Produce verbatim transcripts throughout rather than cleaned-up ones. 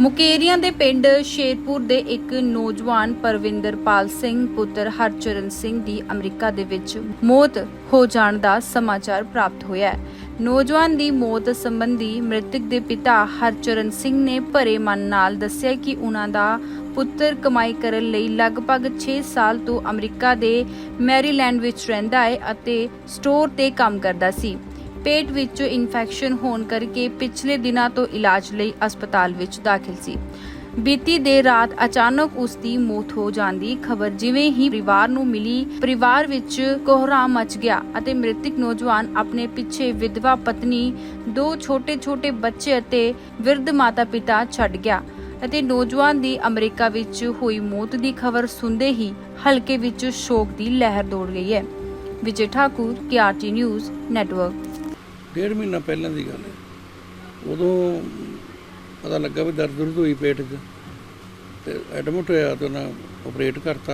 ਮੁਕੇਰੀਆਂ ਦੇ ਪਿੰਡ ਸ਼ੇਰਪੁਰ ਦੇ ਇੱਕ ਨੌਜਵਾਨ ਪਰਵਿੰਦਰਪਾਲ ਸਿੰਘ ਪੁੱਤਰ ਹਰਚਰਨ ਸਿੰਘ ਦੀ ਅਮਰੀਕਾ ਦੇ ਵਿੱਚ ਮੌਤ ਹੋ ਜਾਣ ਦਾ ਸਮਾਚਾਰ ਪ੍ਰਾਪਤ ਹੋਇਆ ਹੈ। ਨੌਜਵਾਨ ਦੀ ਮੌਤ ਸੰਬੰਧੀ ਮ੍ਰਿਤਕ ਦੇ ਪਿਤਾ ਹਰਚਰਨ ਸਿੰਘ ਨੇ ਭਰੇ ਮਨ ਨਾਲ ਦੱਸਿਆ ਕਿ ਉਹਨਾਂ ਦਾ ਪੁੱਤਰ ਕਮਾਈ ਕਰਨ ਲਈ ਲਗਭਗ ਛੇ ਸਾਲ ਤੋਂ ਅਮਰੀਕਾ ਦੇ ਮੈਰੀਲੈਂਡ ਵਿੱਚ ਰਹਿੰਦਾ ਹੈ ਅਤੇ ਸਟੋਰ ਤੇ ਕੰਮ ਕਰਦਾ ਸੀ। पेट विच इन्फेक्शन होने करके पिछले दिनों तो इलाज लई अस्पताल विच दाखिल सी। बीती देर रात अचानक उसकी मौत हो जाने की खबर जिवें ही परिवार नूं मिली, परिवार विच कोहराम मच गया अते मृतक नौजवान अपने पिछे विधवा पत्नी, दो छोटे छोटे बच्चे अते विरध माता पिता छड्ड गया अते नौजवान दी अमरीका विच होई मौत की खबर सुनते ही हलके विच शोक की लहर दौड़ गई है। विजय ठाकुर, के आर टी न्यूज़ नैटवर्क। डेढ़ महीना पहलों की गल है, उदों पता लगा भी दर्द दुर्द हुई पेट च, तो एडमिट होया तो उन्हें ऑपरेट करता।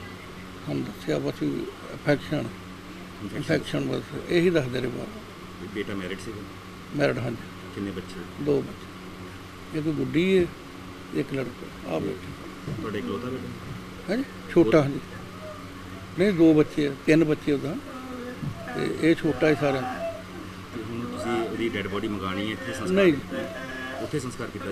हम दसिया बस इन्फेक्शन इन्फेक्शन बस यही दसते रहे बाहर। बेटा मैरिड से मैरिड? हाँ जी। कितने बच्चे? दो बच्चे, एक गुड्डी है एक लड़का। आ बेटे थोड़े इकलौता बेटा? हाँ जी, छोटा। हाँ जी, नहीं दो बच्चे, तीन बच्चे उदा, ये छोटा है सारा। ਹੁਣ ਤੁਸੀਂ ਉਹਦੀ ਡੈਡ ਬੋਡੀ ਮੰਗਾਣੀ ਹੈ ਇੱਥੇ ਸੰਸਕਾਰ? ਨਹੀਂ, ਉੱਥੇ ਸੰਸਕਾਰ ਕੀਤਾ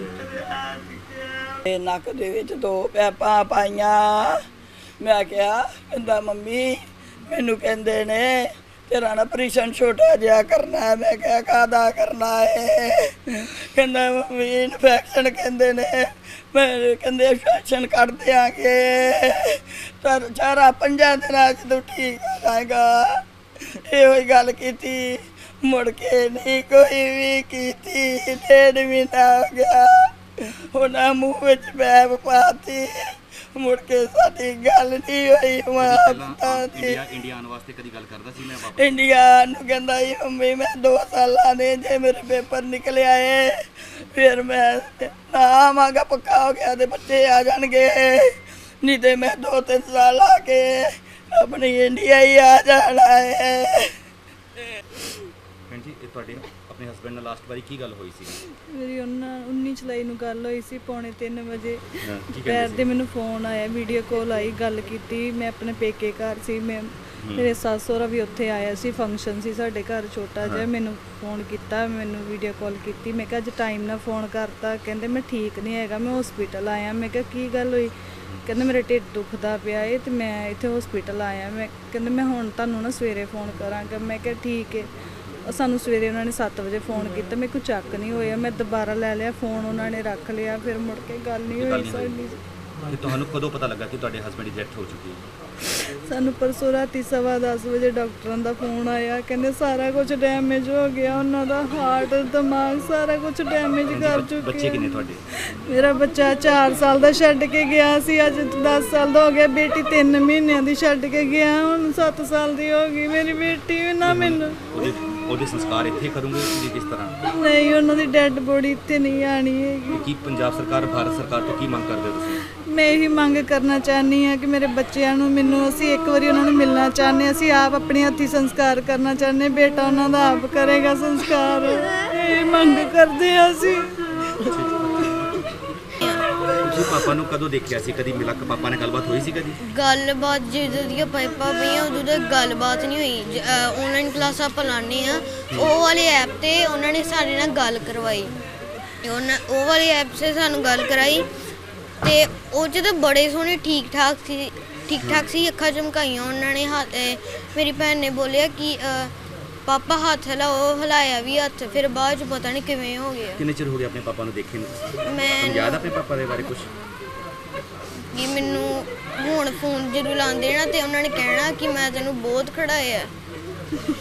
ਜਾਏਗਾ। ਇਹ ਨੱਕ ਦੇ ਵਿੱਚ ਦੋ ਪੈਪਾਂ ਪਾਈਆਂ। ਮੈਂ ਕਿਹਾ ਕਹਿੰਦਾ ਮੰਮੀ ਮੈਨੂੰ ਕਹਿੰਦੇ ਨੇ ਤੇਰਾ ਨਾ ਆਪਰੇਸ਼ਨ ਛੋਟਾ ਜਿਹਾ ਕਰਨਾ ਹੈ। ਮੈਂ ਕਿਹਾ ਕਾਹਦਾ ਕਰਨਾ ਹੈ? ਕਹਿੰਦਾ ਮੰਮੀ ਇਨਫੈਕਸ਼ਨ ਕਹਿੰਦੇ ਨੇ। ਮੈਂ ਕਹਿੰਦੇ ਇਨਫੈਕਸ਼ਨ ਕੱਢ ਦਿਆਂਗੇ ਪਰ ਚਾਰਾ ਪੰਜਾਂ ਦਿਨਾਂ 'ਚ ਤੂੰ ਠੀਕ ਹੋ ਜਾਏਗਾ। ਇਹੋ ਹੀ ਗੱਲ ਕੀਤੀ, ਮੁੜ ਕੇ ਨਹੀਂ ਕੋਈ ਵੀ ਕੀਤੀ। ਡੇਢ ਮਹੀਨਾ ਹੋ ਗਿਆ, ਉਹਨਾਂ ਮੂੰਹ ਵਿੱਚ ਪੈਪ ਪਾਤੀ, ਮੁੜ ਕੇ ਸਾਡੀ ਗੱਲ ਨਹੀਂ ਹੋਈ। ਮਾਂ ਪਿਤਾ ਦੀ ਇੰਡੀਆ ਇੰਡੀਆ ਆਉਣ ਵਾਸਤੇ ਕਦੀ ਗੱਲ ਕਰਦਾ ਸੀ ਮੈਂ ਵਾਪਸ? ਇੰਡੀਆ ਨੂੰ ਕਹਿੰਦਾ ਸੀ ਮੰਮੀ ਮੈਂ ਦੋ ਸਾਲਾਂ ਦੇ ਜੇ ਮੇਰੇ ਪੇਪਰ ਨਿਕਲਿਆ ਏ ਫਿਰ ਮੈਂ ਨਾ ਆਵਾਂਗਾ, ਪੱਕਾ ਹੋ ਗਿਆ ਤੇ ਬੱਚੇ ਆ ਜਾਣਗੇ, ਨਹੀਂ ਤੇ ਮੈਂ ਦੋ ਤਿੰਨ ਸਾਲ ਆ ਕੇ ਆਪਣੀ ਇੰਡੀਆ ਹੀ ਆ ਜਾਣਾ ਹੈ। ਭੈਣ ਜੀ ਇਹ ਤੁਹਾਡੇ ਆਪਣੇ ਹਸਬੈਂਡ ਨਾਲ ਲਾਸਟ ਵਾਰੀ ਕੀ ਗੱਲ ਹੋਈ ਸੀ? ਮੇਰੀ ਉਹਨਾਂ ਉੱਨੀ ਜੁਲਾਈ ਨੂੰ ਗੱਲ ਹੋਈ ਸੀ ਪੌਣੇ ਤਿੰਨ ਵਜੇ। ਹਾਂ, ਕੀ ਦੁਪਹਿਰ ਕਹਿੰਦੇ ਦੇ ਸੀ? ਮੈਨੂੰ ਫੋਨ ਆਇਆ, ਵੀਡੀਓ ਕਾਲ ਆਈ, ਗੱਲ ਕੀਤੀ। ਮੈਂ ਆਪਣੇ ਪੇਕੇ ਘਰ ਸੀ, ਮੈਂ ਮੇਰੇ ਸੱਸ ਸਹੁਰਾ ਵੀ ਉੱਥੇ ਆਇਆ ਸੀ, ਫੰਕਸ਼ਨ ਸੀ ਸਾਡੇ ਘਰ ਛੋਟਾ ਜਿਹਾ। ਮੈਨੂੰ ਫੋਨ ਕੀਤਾ, ਮੈਨੂੰ ਵੀਡੀਓ ਕਾਲ ਕੀਤੀ। ਮੈਂ ਕਿਹਾ ਅੱਜ ਟਾਈਮ ਨਾਲ ਫੋਨ ਕਰਤਾ। ਕਹਿੰਦੇ ਮੈਂ ਠੀਕ ਨਹੀਂ ਹੈਗਾ, ਮੈਂ ਹਸਪੀਟਲ ਆਇਆ। ਮੈਂ ਕਿਹਾ ਕੀ ਗੱਲ ਹੋਈ? ਕਹਿੰਦੇ ਮੇਰਾ ਢਿੱਡ ਦੁਖਦਾ ਪਿਆ ਏ ਤੇ ਮੈਂ ਇੱਥੇ ਹਸਪੀਟਲ ਆਇਆ। ਮੈਂ ਕਹਿੰਦੇ ਮੈਂ ਹੁਣ ਤੁਹਾਨੂੰ ਨਾ ਸਵੇਰੇ ਫੋਨ ਕਰਾਂਗਾ। ਮੈਂ ਕਿਹਾ ਠੀਕ ਹੈ। ਸਾਨੂੰ ਸਵੇਰੇ ਉਹਨਾਂ ਨੇ ਸੱਤ ਵਜੇ ਫੋਨ ਕੀਤਾ, ਮੇਰੇ ਕੋਲ ਚੱਕ ਨਹੀਂ ਹੋਇਆ। ਮੈਂ ਦੁਬਾਰਾ ਲੈ ਲਿਆ ਫੋਨ, ਉਹਨਾਂ ਨੇ ਰੱਖ ਲਿਆ, ਫਿਰ ਮੁੜ ਕੇ ਗੱਲ ਨਹੀਂ ਹੋਈ ਸਾਡੀ। ਤੇ ਤੁਹਾਨੂੰ ਕਦੋਂ ਪਤਾ ਲੱਗਾ ਕਿ ਤੁਹਾਡੇ ਹਸਬੈਂਡ ਦੀ ਡੈਥ ਹੋ ਚੁੱਕੀ ਹੈ? ਸਾਨੂੰ ਪਰਸੋਂ ਰਾਤੀ ਸਵਾ ਦਸ ਵਜੇ ਡਾਕਟਰਾਂ ਦਾ ਫੋਨ ਆਇਆ, ਕਹਿੰਦੇ ਸਾਰਾ ਕੁਝ ਡੈਮੇਜ ਹੋ ਗਿਆ, ਉਹਨਾਂ ਦਾ ਹਾਰਟ, ਦਿਮਾਗ ਸਾਰਾ ਕੁਝ ਡੈਮੇਜ ਕਰ ਚੁੱਕੇ। ਬੱਚੇ ਕਿੰਨੇ ਤੁਹਾਡੇ? ਮੇਰਾ ਬੱਚਾ ਚਾਰ ਸਾਲ ਦਾ ਛੱਡ ਕੇ ਗਿਆ ਸੀ, ਅੱਜ ਦਸ ਸਾਲ ਦਾ ਹੋ ਗਿਆ। ਬੇਟੀ ਤਿੰਨ ਮਹੀਨਿਆਂ ਦੀ ਛੱਡ ਕੇ ਗਿਆ, ਹੁਣ ਸੱਤ ਸਾਲ ਦੀ ਹੋ ਗਈ ਮੇਰੀ ਬੇਟੀ ਵੀ ਨਾ। ਮੈਨੂੰ ਉਹਦੇ ਉਹਦੇ ਸੰਸਕਾਰ ਇੱਥੇ ਕਰੋਗੇ ਤੁਸੀਂ ਕਿਸ ਤਰ੍ਹਾਂ? ਨਹੀਂ, ਉਹਨਾਂ ਦੀ ਡੈੱਡ ਬੋਡੀ ਇੱਥੇ ਨਹੀਂ ਆਣੀ ਹੈਗੀ। ਕੀ ਪੰਜਾਬ ਸਰਕਾਰ, ਭਾਰਤ ਸਰਕਾਰ ਤੋਂ ਕੀ ਮੰਗ ਕਰਦੇ ਹੋ ਤੁਸੀਂ? ਮੈਂ ਇਹੀ ਮੰਗ ਕਰਨਾ ਚਾਹੁੰਦੀ ਹਾਂ ਕਿ ਮੇਰੇ ਬੱਚਿਆਂ ਨੂੰ, ਮੈਨੂੰ, ਅਸੀਂ ਇੱਕ ਵਾਰੀ ਉਹਨਾਂ ਨੂੰ ਮਿਲਣਾ ਚਾਹੁੰਦੇ ਹਾਂ। ਅਸੀਂ ਆਪ ਆਪਣੇ ਹੱਥੀਂ ਸੰਸਕਾਰ ਕਰਨਾ ਚਾਹੁੰਦੇ, ਬੇਟਾ ਉਹਨਾਂ ਦਾ ਆਪ ਕਰੇਗਾ ਸੰਸਕਾਰ। ਇਹ ਮੰਗ ਕਰਦੇ ਹਾਂ ਅਸੀਂ। ਤੁਸੀਂ ਪਾਪਾ ਨੂੰ ਕਦੋਂ ਦੇਖਿਆ ਸੀ? ਕਦੀ ਮਿਲਾ ਕੇ ਪਾਪਾ ਨਾਲ ਗੱਲਬਾਤ ਹੋਈ ਸੀ ਕਦੀ? ਗੱਲਬਾਤ ਜਦੋਂ ਦੀਆਂ ਪਾਈਪਾਂ ਪਈਆਂ ਉਦੋਂ ਤੱਕ ਗੱਲਬਾਤ ਨਹੀਂ ਹੋਈ। ਆਨਲਾਈਨ ਕਲਾਸਾਂ ਆਪਾਂ ਲਾਉਂਦੇ ਹਾਂ, ਉਹ ਵਾਲੇ ਐਪ 'ਤੇ ਉਹਨਾਂ ਨੇ ਸਾਡੇ ਨਾਲ ਗੱਲ ਕਰਵਾਈ। ਉਹਨਾਂ ਉਹ ਵਾਲੀ ਐਪ 'ਤੇ ਸਾਨੂੰ ਗੱਲ ਕਰਾਈ ਅਤੇ ਉਹ 'ਚ ਤਾਂ ਬੜੇ ਸੋਹਣੇ ਠੀਕ ਠਾਕ ਸੀ ਠੀਕ ਠਾਕ ਸੀ ਅੱਖਾਂ ਝਮਕਾਈਆਂ ਉਹਨਾਂ ਨੇ। ਹੱਥ ਮੇਰੀ ਭੈਣ ਨੇ ਬੋਲਿਆ ਕਿ ਪਾਪਾ ਹੱਥ ਹਿਲਾਓ, ਹਿਲਾਇਆ ਵੀ ਹੱਥ, ਫਿਰ ਬਾਅਦ 'ਚ ਪਤਾ ਨਹੀਂ ਕਿਵੇਂ ਹੋ ਗਿਆ। ਕਿੰਨੇ ਚਿਰ ਹੋ ਗਿਆ ਆਪਣੇ ਪਾਪਾ ਨੂੰ ਦੇਖੇ ਨੂੰ? ਮੈਂ ਤੁਹਾਨੂੰ ਯਾਦ ਆ ਆਪਣੇ ਪਾਪਾ ਦੇ ਬਾਰੇ ਕੁਝ? ਕਿ ਮੈਨੂੰ ਹੁਣ ਫੋਨ ਜਦੋਂ ਲਾਉਂਦੇ ਨਾ ਤੇ ਉਹਨਾਂ ਨੇ ਕਹਿਣਾ ਕਿ ਮੈਂ ਤੈਨੂੰ ਬਹੁਤ ਖੜਾਇਆ।